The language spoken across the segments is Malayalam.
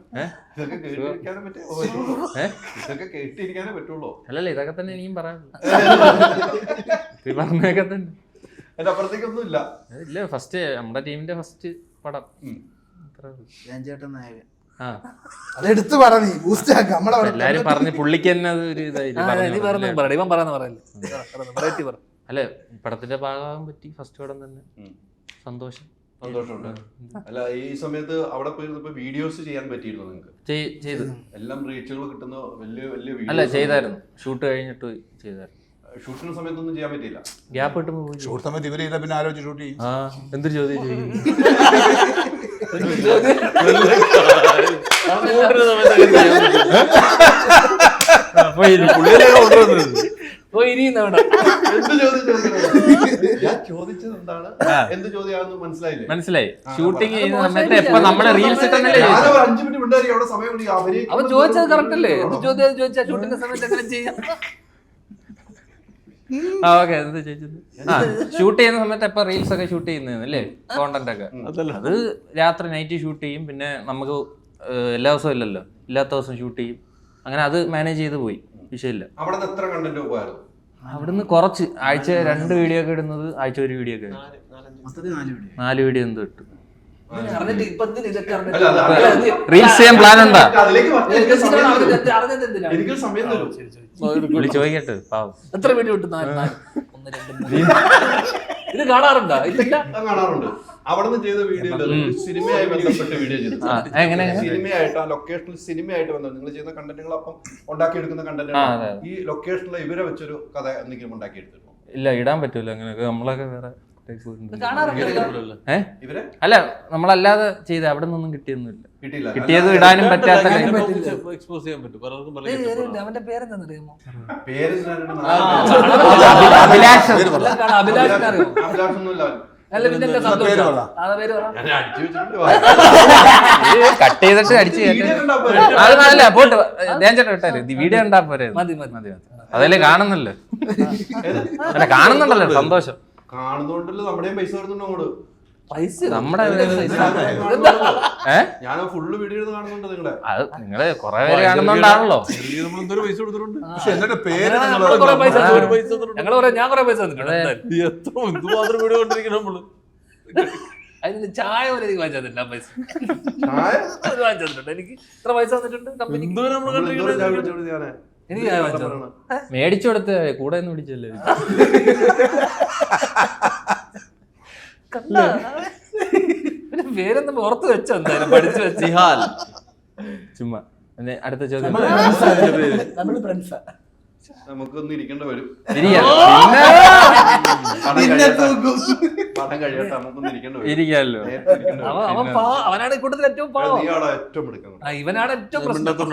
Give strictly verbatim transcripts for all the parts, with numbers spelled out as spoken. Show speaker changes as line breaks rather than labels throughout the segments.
ഇതൊക്കെ കേട്ടിരിക്കാനേ പറ്റുള്ളൂ. ഇതൊക്കെ കേട്ടിരിക്കാനേ പറ്റുള്ളൂ.
അല്ലല്ലേ ഇതൊക്കെ തന്നെ ഇനിയും പറയാനുള്ളൂ. പറഞ്ഞൊക്കെ തന്നെ
അതിന്റെ അപ്പുറത്തേക്കൊന്നും ഇല്ല.
ഇല്ല ഫസ്റ്റ് നമ്മുടെ ടീമിന്റെ ഫസ്റ്റ് പടം
ചേട്ടൻ നായകൻ.
അതെടുത്ത് പറഞ്ഞു ബൂസ്റ്റ് ആക്കാം. നമ്മളെ
എല്ലാരും പറഞ്ഞ് പുള്ളിക്ക് തന്നെ അത് ഒരു ഇതായി. അല്ലെ പടത്തിന്റെ ഭാഗമാകാൻ പറ്റി. ഫസ്റ്റ് പടം തന്നെ സന്തോഷം.
സന്തോഷമുണ്ട്. അല്ല ഈ സമയത്ത് അവിടെ പോയിരുന്നപ്പോ വീഡിയോസ് ചെയ്യാൻ പറ്റിയിരുന്നു നിങ്ങൾക്ക്?
ചെയ്തു.
എല്ലാം റീച്ചുകൾ കിട്ടുന്ന വലിയ വലിയ
അല്ല ചെയ്തായിരുന്നു. ഷൂട്ട് കഴിഞ്ഞിട്ട് ചെയ്തായിരുന്നു.
ഷൂട്ടിന് സമയത്തൊന്നും ചെയ്യാൻ പറ്റിയില്ല.
ഗ്യാപ്പ് കിട്ടുമ്പോ പോയി.
ഷൂട്ട് സമയത്ത് ഇവര് ചെയ്താൽ പിന്നെ ആലോചിച്ച് ഷൂട്ട് ചെയ്യും.
ആ എന്തൊരു ചോദ്യം ചെയ്യും. മനസ്സിലായി. ഷൂട്ടിങ് ചെയ്യുന്ന സമയത്ത് എപ്പോ നമ്മളെ റീൽസ് ഇട്ടല്ലേ
അവൻ ചോദിച്ചത് കറക്റ്റ് അല്ലേ? ചോദ്യം ചോദിച്ചാ ഷൂട്ടിന്റെ സമയത്ത് എങ്ങനെ ചെയ്യാം?
ആ ഓക്കെ എന്താ ചോദിച്ചത്? ആ ഷൂട്ട് ചെയ്യുന്ന സമയത്ത് എപ്പോ റീൽസ് ഒക്കെ ഷൂട്ട് ചെയ്യുന്നല്ലേ കോണ്ടന്റ് ഒക്കെ. അത് രാത്രി നൈറ്റ് ഷൂട്ട് ചെയ്യും. പിന്നെ നമുക്ക് എല്ലാ ദിവസവും ഇല്ലല്ലോ, ഇല്ലാത്ത ദിവസം ഷൂട്ട് ചെയ്യും. അങ്ങനെ അത് മാനേജ് ചെയ്ത് പോയി. വിഷയമില്ല. അവിടുന്ന് കുറച്ച് ആഴ്ച രണ്ട് വീഡിയോ ഒക്കെ ഇടുന്നത് ആഴ്ച ഒരു വീഡിയോ ഒക്കെ നാല് വീഡിയോ എന്തോ ഇട്ടു. റീൽസ് ചെയ്യാൻ പ്ലാൻ ഉണ്ടാ? ചോദിക്കട്ടെ പാവം.
എത്ര വീഡിയോ ഇട്ടു? ഇത് കാണാറുണ്ടോ?
കാണാറുണ്ട്. അവിടെ ചെയ്ത വീഡിയോ സിനിമയായി ബന്ധപ്പെട്ട വീഡിയോ ചെയ്തു. സിനിമയായിട്ട് ലൊക്കേഷനിൽ സിനിമയായിട്ട് ബന്ധം നിങ്ങൾ ചെയ്യുന്ന കണ്ടന്റുകൾ അപ്പം ഉണ്ടാക്കിയെടുക്കുന്ന കണ്ടന്റ് ഈ ലൊക്കേഷനിൽ ഇവരെ വെച്ചൊരു കഥ എന്തെങ്കിലും ഉണ്ടാക്കിയെടുത്തിരുന്നു?
ഇല്ല, ഇടാൻ പറ്റൂല അങ്ങനെയൊക്കെ. നമ്മളൊക്കെ വേറെ
അല്ല
നമ്മളല്ലാതെ ചെയ്ത അവിടെ നിന്നൊന്നും കിട്ടിയൊന്നുമില്ല. കിട്ടിയത് ഇടാനും പറ്റാത്ത.
അവന്റെ പേരെന്താന്നറിയാമോ?
അഭിലാഷ്. കട്ട് ചെയ്തിട്ട് അടിച്ചു അത് നല്ല പോട്ട് ഞാൻ ചേട്ടാ ഇട്ടാര് വീഡിയോ ഉണ്ടാ പോരെ. മതി മതി മതി അതല്ലേ കാണുന്നല്ലോ. അല്ല കാണുന്നുണ്ടല്ലോ സന്തോഷം.
കാണുന്നോണ്ടല്ലോ നമ്മുടെയും പൈസ വരുന്നുണ്ടോ അങ്ങോട്ട്?
നമ്മുടെ
ഞാൻ ഫുള്ള് വീഡിയോ കാണുന്നുണ്ട് നിങ്ങളെ.
അത് നിങ്ങള് കൊറേ പേര് കാണുന്നോണ്ടാണല്ലോ.
അതിന് ചായ പോലെ എനിക്ക് വാങ്ങിച്ചു തന്നില്ല പൈസ. വാങ്ങിച്ചിട്ടുണ്ട് എനിക്ക് ഇത്ര പൈസ തന്നിട്ടുണ്ട് കമ്പനി. എനിക്ക് ചായ വാങ്ങിച്ചു
മേടിച്ചു കൊടുത്ത കൂടെ ഒന്ന് പിടിച്ചല്ലേ.
പേരൊന്നും പുറത്ത് വെച്ചോ എന്തായാലും പഠിച്ചു വെച്ച്.
ചുമ്മാ അടുത്ത ചോദ്യം.
നമുക്കൊന്നും ഇരിക്കേണ്ട വരും.
ഇരിക്കാല്ലോ.
അവനാണ് കൂട്ടത്തിൽ ഏറ്റവും പാവം. ഇവനാണ് ഏറ്റവും പ്രശ്നം.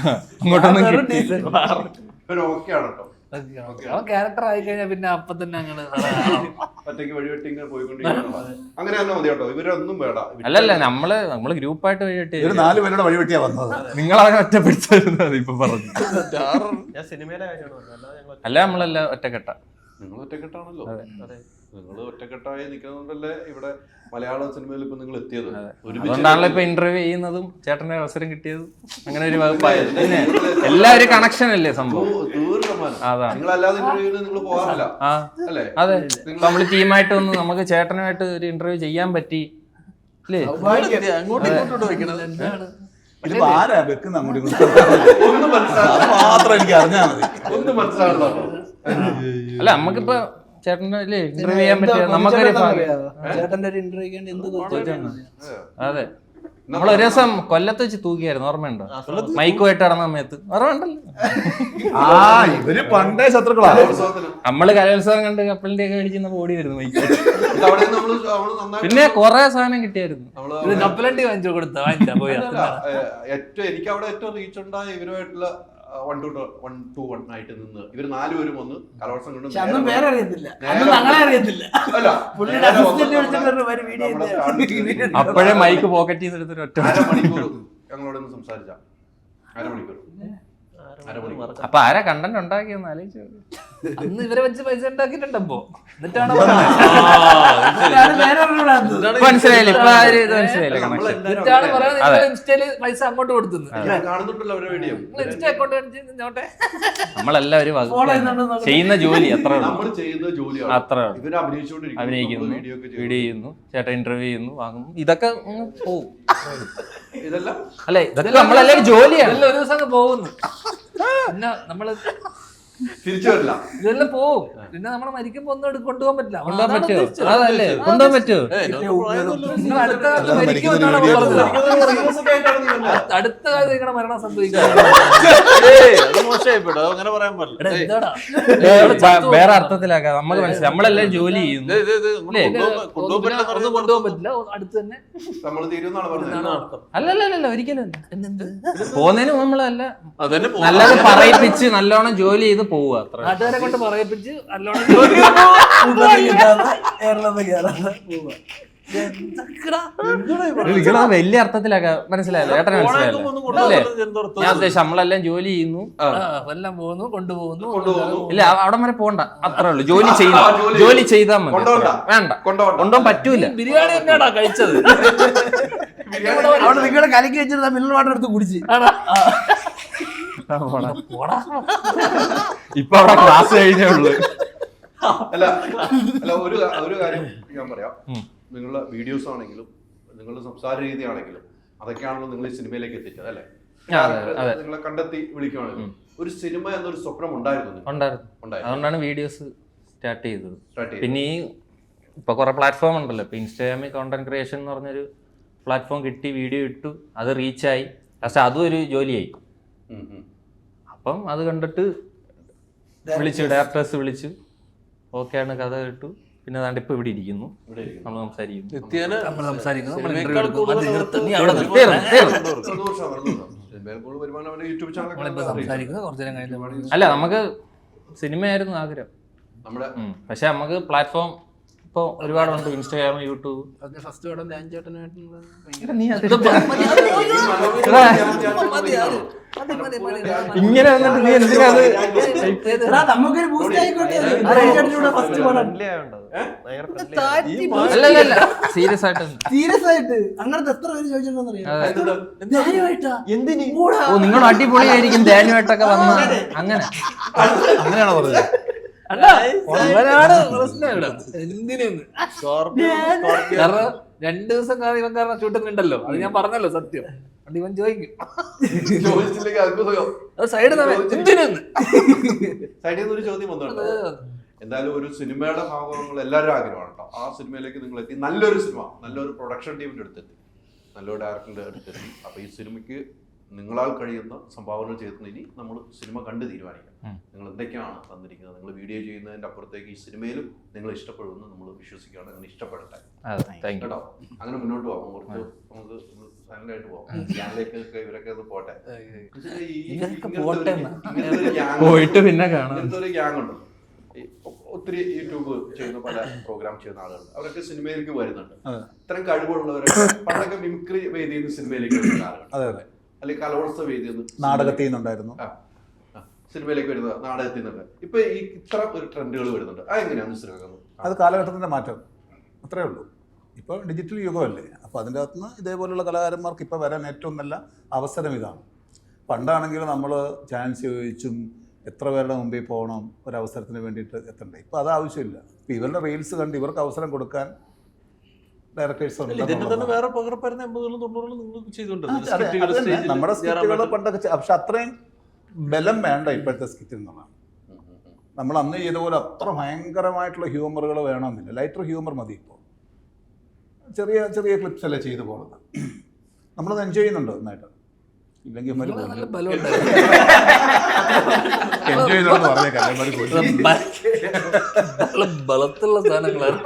അവൻ ക്യാരക്ടർ ആയി കഴിഞ്ഞാൽ പിന്നെ അപ്പൊ തന്നെ അങ്ങനെ
ഒറ്റയ്ക്ക് വഴിവെട്ടി പോയിക്കൊണ്ടിരിക്കുന്നു. അങ്ങനെ തന്നെ മതി കേട്ടോ. ഇവരൊന്നും വേണ്ട.
അല്ലല്ല നമ്മള് നമ്മള് ഗ്രൂപ്പായിട്ട് വഴിവെട്ടി
നാല് പേരുടെ വഴിവെട്ടിയാ വന്നത്.
നിങ്ങൾ അവനെ ഒറ്റപ്പെടുത്തുന്നത് ഇപ്പൊ പറഞ്ഞു. അല്ല നമ്മളല്ല ഒറ്റക്കെട്ട.
നിങ്ങൾ ഒറ്റക്കെട്ടാണല്ലോ. നിങ്ങൾ ഒറ്റക്കെട്ടായി നിൽക്കുന്നതുകൊണ്ടല്ലേ ഇവിടെ മലയാള സിനിമയിൽ ഇപ്പൊ നിങ്ങൾ എത്തിയത്.
അതുകൊണ്ടാണല്ലോ ഇപ്പൊ ഇന്റർവ്യൂ ചെയ്യുന്നതും ചേട്ടന് അവസരം കിട്ടിയതും. അങ്ങനെ ഒരു വകുപ്പായത്. പിന്നെ എല്ലാവരും കണക്ഷൻ അല്ലേ സംഭവം. അതെ നമ്മള് ടീമായിട്ട് ഒന്ന് നമുക്ക് ചേട്ടനുമായിട്ട് ഒരു ഇന്റർവ്യൂ ചെയ്യാൻ പറ്റി അല്ലേ?
ഇതിപ്പോ ആരാ വെക്കുന്ന അങ്ങോട്ട് മാത്രം എനിക്ക് അറിഞ്ഞാൽ മതി.
ഒന്നും മനസ്സിലാകണോ?
അല്ല നമുക്കിപ്പോ ചേട്ടൻ്റെ ഇന്റർവ്യൂ ചെയ്യാൻ പറ്റിയ നമുക്കൊരു
ചേട്ടന്റെ ഒരു ഇന്റർവ്യൂ.
അതെ നമ്മൾ ഒരു ദിവസം കൊല്ലത്ത് വെച്ച് തൂക്കിയായിരുന്നു, ഓർമ്മയുണ്ടോ? മൈക്കുമായിട്ട് നടന്ന സമയത്ത് ഓർമ്മയുണ്ടല്ലോ.
ആ ഇവര് പണ്ടേ ശത്രുക്കളാ.
നമ്മള് കലോത്സവം കണ്ട് കപ്പലിന്റെ ഒക്കെ മേടിച്ചിരുന്ന ഓടി വരുന്നു മൈക്ക്. പിന്നെ കൊറേ സാധനം കിട്ടിയായിരുന്നു.
കപ്പലണ്ടി വാങ്ങിച്ചു കൊടുത്ത വാങ്ങിച്ചാ പോയി.
ഏറ്റവും എനിക്ക് അവിടെ ഏറ്റവും റീച്ച് ഉണ്ടായ ഇവരുമായിട്ടുള്ള one to one to one ആയിട്ട് നിന്ന് ഇവര് നാലുപേരും വന്ന് കലോത്സവം കൊണ്ട്
അപ്പോഴേ മൈക്ക് പോക്കറ്റിൽ നിന്ന് എടുത്തൊരു ഒറ്റ
അരമണിക്കൂർ ഞങ്ങളോടൊന്ന് സംസാരിച്ച അരമണിക്കൂർ
അപ്പൊ ആരാ കണ്ടന്റ് ഉണ്ടാക്കിയെന്ന് ആലോചിച്ചു.
അന്ന് ഇവരെ വെച്ച് പൈസ ഉണ്ടാക്കിയിട്ടുണ്ടപ്പോ എന്നിട്ടാണ്
മനസ്സിലായില്ല ഇപ്പൊ ആ ഒരു ഇത് മനസ്സിലായില്ല കണക്ഷൻ.
എന്നിട്ടാണ് പറയുന്നത് നിങ്ങൾ ഇൻസ്റ്റയില് പൈസ അങ്ങോട്ട് കൊടുത്തത്.
കാണുന്നുണ്ടല്ലോ അവരുടെ വീഡിയോ.
Insta account കാണിച്ചോട്ടെ.
നമ്മളെല്ലാവരും ചെയ്യുന്ന ജോലി അത്ര
നമ്മൾ ചെയ്യുന്ന ജോലിയാണ്
അത്ര
ഇവര് അഭിനയിച്ചുകൊണ്ടിരിക്കുന്നു,
അഭിനയിക്കുന്നു,
വീഡിയോ ഒക്കെ
വീഡിയോ ചെയ്യുന്നു, ചേട്ടൻ ഇന്റർവ്യൂ ചെയ്യുന്നു, വാങ്ങുന്നു, ഇതൊക്കെ അങ്ങ് പോവും.
ഇതെല്ലാം
അല്ലെ ഇതൊക്കെ നമ്മളെല്ലാവരും ജോലിയാണ്.
ഇതെല്ലാം ഒരു ദിവസം അങ്ങ് പോകുന്നു. പിന്നെ നമ്മള്
തിരിച്ചു വരില്ല.
ഇതെല്ലാം പോവും. പിന്നെ നമ്മള് മരിക്കുമ്പോ ഒന്നും എടുത്ത് കൊണ്ടുപോകാൻ പറ്റില്ല.
കൊണ്ടുപോകാൻ പറ്റുമോ? അതല്ലേ കൊണ്ടുപോകാൻ പറ്റുമോ?
നിങ്ങൾ അടുത്ത കാലത്ത് മരിക്കുമെന്നാണ് പറഞ്ഞത്. അടുത്ത കാലത്ത് നിങ്ങളുടെ മരണം സംഭവിക്കുക.
അങ്ങനെ പറയാൻ പാടില്ല.
എന്താടാ
വേറെ അർത്ഥത്തിലാക്കാം. നമുക്ക് മനസ്സിലായി നമ്മളെല്ലാം ജോലി ചെയ്യുന്നു.
ഒന്നും കൊണ്ടുപോകാൻ പറ്റില്ല. അടുത്ത് തന്നെ
നമ്മൾ തീരുന്നാണ് പറഞ്ഞത്.
അല്ലല്ല ഒരിക്കലും പോകുന്നതിന് നമ്മളല്ല നല്ലത് പറയിപ്പിച്ച് നല്ലോണം ജോലി ചെയ്ത് പോവുക. അത്ര
നാട്ടുകാരെ കൊണ്ട് പറയിപ്പിച്ച് നല്ലോണം
വലിയ അർത്ഥത്തിലാക്കാം. മനസ്സിലായല്ലോ ഏട്ടനെ മനസ്സിലായല്ലോ അല്ലേ? ഞാൻ ഉദ്ദേശിച്ചു നമ്മളെല്ലാം ജോലി ചെയ്യുന്നു,
എല്ലാം പോകുന്നു, കൊണ്ടുപോകുന്നു.
ഇല്ല അവിടെ വരെ പോണ്ട, അത്രേ ഉള്ളൂ. ജോലി ചെയ്യുന്നു, ജോലി ചെയ്താൽ മതി. വേണ്ട കൊണ്ടുപോകാൻ പറ്റൂല.
ബിരിയാണി തന്നെയാടാ കഴിച്ചത്.
അവിടെ നിങ്ങളെ കലക്കി വെച്ചിരുന്ന മിനറൽ വാട്ടർ എടുത്ത് കുടിച്ച്
ഇപ്പൊ അവിടെ ക്ലാസ് കഴിഞ്ഞേ ഉള്ളു.
അല്ല അല്ല ഒരു ഒരു കാര്യം ഞാൻ പറയാം. നിങ്ങളുടെ വീഡിയോസ് ആണെങ്കിലും നിങ്ങളുടെ സംസാര രീതി ആണെങ്കിലും അതൊക്കെയാണല്ലോ നിങ്ങൾ ഈ സിനിമയിലേക്ക് എത്തിച്ചത് അല്ലേ? നിങ്ങളെ കണ്ടെത്തി വിളിക്കുകയാണെങ്കിലും ഒരു സിനിമ എന്നൊരു സ്വപ്നം ഉണ്ടായിരുന്നു.
അതുകൊണ്ടാണ് വീഡിയോസ് സ്റ്റാർട്ട് ചെയ്തത്. പിന്നെ ഈ ഇപ്പൊ കുറെ പ്ലാറ്റ്ഫോം ഉണ്ടല്ലോ. ഇപ്പൊ ഇൻസ്റ്റാഗ്രാമിൽ കോണ്ടന്റ് ക്രിയേഷൻ എന്ന് പറഞ്ഞൊരു പ്ലാറ്റ്ഫോം കിട്ടി, വീഡിയോ ഇട്ടു, അത് റീച്ചായി, പക്ഷെ അതും ഒരു ജോലിയായി. അപ്പം അത് കണ്ടിട്ട് വിളിച്ചു, ഡയറക്ടേഴ്സ് വിളിച്ചു, ഓക്കെയാണ്, കഥ കേട്ടു, പിന്നെ അതാണ്ട് ഇപ്പൊ ഇവിടെ ഇരിക്കുന്നു, നമ്മൾ സംസാരിക്കുന്നു. അല്ല നമുക്ക് സിനിമയായിരുന്നു ആഗ്രഹം, പക്ഷെ നമുക്ക് പ്ലാറ്റ്ഫോം ഇപ്പൊ ഒരുപാടുണ്ട്. Instagram, YouTube. ഇങ്ങനെ വന്നിട്ട് നീ എന്തിനാണ് സീരിയസ് ആയിട്ട്
സീരിയസ് ആയിട്ട് അങ്ങനത്തെ എത്ര പേര് ചോദിച്ചിട്ടുണ്ടെന്നറിയാം. എന്തിന്
ഓ നിങ്ങൾ അടിപൊളിയായിരിക്കും ധ്യാനുമായിട്ടൊക്കെ വന്ന അങ്ങനെ
അങ്ങനെയാണോ പറഞ്ഞത്?
അവനാണ് പ്രശ്നം ഇവിടെ. എന്തിനൊന്ന് കാരണം രണ്ടു ദിവസം കാരണം ഇവൻ കാരണം ഷൂട്ടിംഗ് ഉണ്ടല്ലോ, അത് ഞാൻ പറഞ്ഞല്ലോ സത്യം. അത് ഇവൻ ചോദിക്കും സൈഡ് എന്തിനൊന്ന്
സൈഡിൽ നിന്ന് ഒരു ചോദ്യം വന്നിട്ടുണ്ട്. എന്തായാലും ഒരു സിനിമയുടെ ഭാഗങ്ങൾ എല്ലാവരും ആഗ്രഹമാണ് കേട്ടോ. ആ സിനിമയിലേക്ക് നിങ്ങൾ എത്തി, നല്ലൊരു സിനിമ, നല്ലൊരു പ്രൊഡക്ഷൻ ടീമിന്റെ അടുത്തെത്തി, നല്ലൊരു ഡയറക്ടറിന്റെ അടുത്തെത്തി. അപ്പൊ ഈ സിനിമയ്ക്ക് നിങ്ങളാൽ കഴിയുന്ന സംഭാവന ചെയ്തിട്ട് ഇനി നമ്മൾ സിനിമ കണ്ട് തീരുമാനിക്കാം. നിങ്ങൾ എന്തൊക്കെയാണ് തന്നിരിക്കുന്നത്, നിങ്ങൾ വീഡിയോ ചെയ്യുന്നതിന്റെ അപ്പുറത്തേക്ക് ഈ സിനിമയിലും നിങ്ങൾ ഇഷ്ടപ്പെടുമെന്ന് നമ്മൾ വിശ്വസിക്കുകയാണ്. അങ്ങനെ ഇഷ്ടപ്പെടട്ടെ കേട്ടോ. അങ്ങനെ മുന്നോട്ട് പോകാം. കുറച്ച് നമുക്ക് സൈലന്റ് ആയിട്ട് പോകാം. ഗ്യാങ്ങിലേക്കൊക്കെ ഇവരൊക്കെ ഒന്ന് പോട്ടെ.
പോയിട്ട് പിന്നെ കാണാം.
ഇങ്ങനത്തെ ഒരു ഗ്യാങ് ഉണ്ട്. ഒത്തിരി യൂട്യൂബ് ചെയ്യുന്ന പല പ്രോഗ്രാം ചെയ്യുന്ന ആളുകളുണ്ട്. അവരൊക്കെ സിനിമയിലേക്ക് വരുന്നുണ്ട്. ഇത്തരം കഴിവുള്ളവരൊക്കെ പണ്ടൊക്കെ മിമിക്രി വേദിയിൽ നിന്ന് സിനിമയിലേക്ക് വരുന്ന ആളുകൾ, അല്ലെങ്കിൽ കലോത്സവ വേദിയിൽ നിന്ന്
നാടകത്തിൽ നിന്നുണ്ടായിരുന്നു,
സിനിമയിലേക്ക് വരുന്നത്, നാടകത്തിൽ നിന്നൊക്കെ ഇപ്പൊ ഈ ഇത്ര ഒരു ട്രെൻഡുകൾ വരുന്നുണ്ട്. അതെങ്ങനെയാണ് സിനിമ?
അത് കാലഘട്ടത്തിന്റെ മാറ്റം, അത്രേ ഉള്ളൂ. ഇപ്പോൾ ഡിജിറ്റൽ യുഗമല്ലേ, അപ്പോൾ അതിൻ്റെ അകത്തുനിന്ന് ഇതേപോലുള്ള കലാകാരന്മാർക്ക് ഇപ്പോൾ വരാൻ ഏറ്റവും നല്ല അവസരം ഇതാണ്. പണ്ടാണെങ്കിൽ നമ്മൾ ചാൻസ് ചോദിച്ചും എത്ര പേരുടെ മുമ്പിൽ പോകണം ഒരവസരത്തിന് വേണ്ടിയിട്ട് എത്തണ്ടേ. ഇപ്പോൾ അത് ആവശ്യമില്ല. ഇപ്പോൾ ഇവരുടെ റീൽസ് കണ്ട് ഇവർക്ക് അവസരം കൊടുക്കാൻ ഡയറക്ടേഴ്സ് ഉണ്ട്. നമ്മുടെ സ്കിറ്റുകൾ പണ്ടൊക്കെ, പക്ഷെ അത്രയും ബലം വേണ്ട ഇപ്പോഴത്തെ സ്കിറ്റിൽ നിന്നാണ്. നമ്മൾ അന്ന് ചെയ്ത പോലെ അത്ര ഭയങ്കരമായിട്ടുള്ള ഹ്യൂമറുകൾ വേണമെന്നില്ല. ലൈറ്റർ ഹ്യൂമർ മതി. ഇപ്പോൾ ചെറിയ ചെറിയ ക്ലിപ്സ് അല്ലേ ചെയ്തു പോകുന്നത്. നമ്മളത് എൻജോയ് ചെയ്യുന്നുണ്ട് നന്നായിട്ട്. ഇല്ലെങ്കിൽ എൻജോയ് ചെയ്യുന്നുണ്ട് പറഞ്ഞേക്കാം.
ബലത്തുള്ള സാധനങ്ങളാണ്.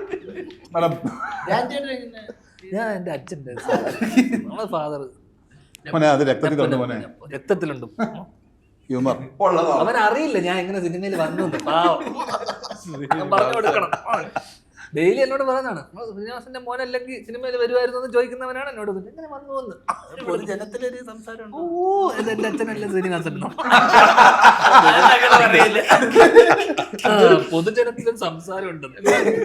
ഞാൻ എന്റെ അച്ഛൻ്റെ നമ്മളെ ഫാദർ
അത് രക്തത്തിലുണ്ട് മോനെ,
രക്തത്തിലുണ്ട്
ഹ്യൂമർ.
അവൻ അറിയില്ല ഞാൻ എങ്ങനെ സിനിമയിൽ വന്നു. പാവം പറഞ്ഞു കൊടുക്കണം. ഡെയിലി എന്നോട് പറയുന്നതാണ് ശ്രീനിവാസന്റെ മോൻ അല്ലെങ്കിൽ സിനിമയിൽ വരുമായിരുന്നു എന്ന് ചോദിക്കുന്നവനാണ് എന്നോട് എങ്ങനെ വന്നു വന്ന്
പൊതുജനത്തിലൊരു സംസാരം
ഓ ഇത് എന്റെ അച്ഛനല്ല ശ്രീനിവാസൻ പൊതുജനത്തിലൊരു സംസാരം ഉണ്ട്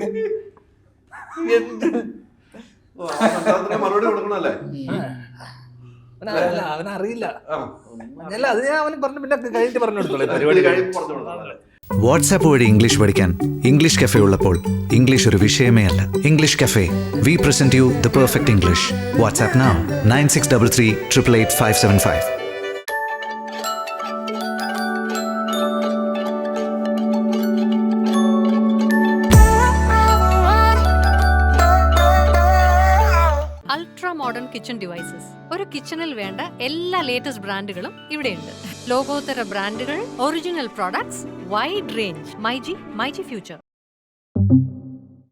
എന്ത്
ഓ, ആ സംസാരത്തിന് മറുപടി കൊടുക്കണല്ലേ?
അവനറിയില്ല അവനറിയില്ല
ആ.
അല്ല അത് ഞാൻ അവന് പറഞ്ഞു പിന്നെ കഴിഞ്ഞിട്ട് പറഞ്ഞു കൊടുത്തോളൂ
പരിപാടി
പരിപാടി
കഴിയുമ്പോൾ പറഞ്ഞു കൊടുക്കണല്ലേ?
വാട്സാപ്പ് വഴി ഇംഗ്ലീഷ് പഠിക്കാൻ ഇംഗ്ലീഷ് കഫേ ഉള്ളപ്പോൾ ഇംഗ്ലീഷ് ഒരു വിഷയമേ അല്ല. English cafe, we present you the perfect English. WhatsApp now nine six double three triple eight five seven five.
Ultra modern kitchen devices. ഒരു കിച്ചണിൽ വേണ്ട എല്ലാ ലേറ്റസ്റ്റ് ബ്രാൻഡുകളും ഇവിടെയുണ്ട്. ലോകോത്തര ബ്രാൻഡുകൾ, original products, wide range. MyG, myG future.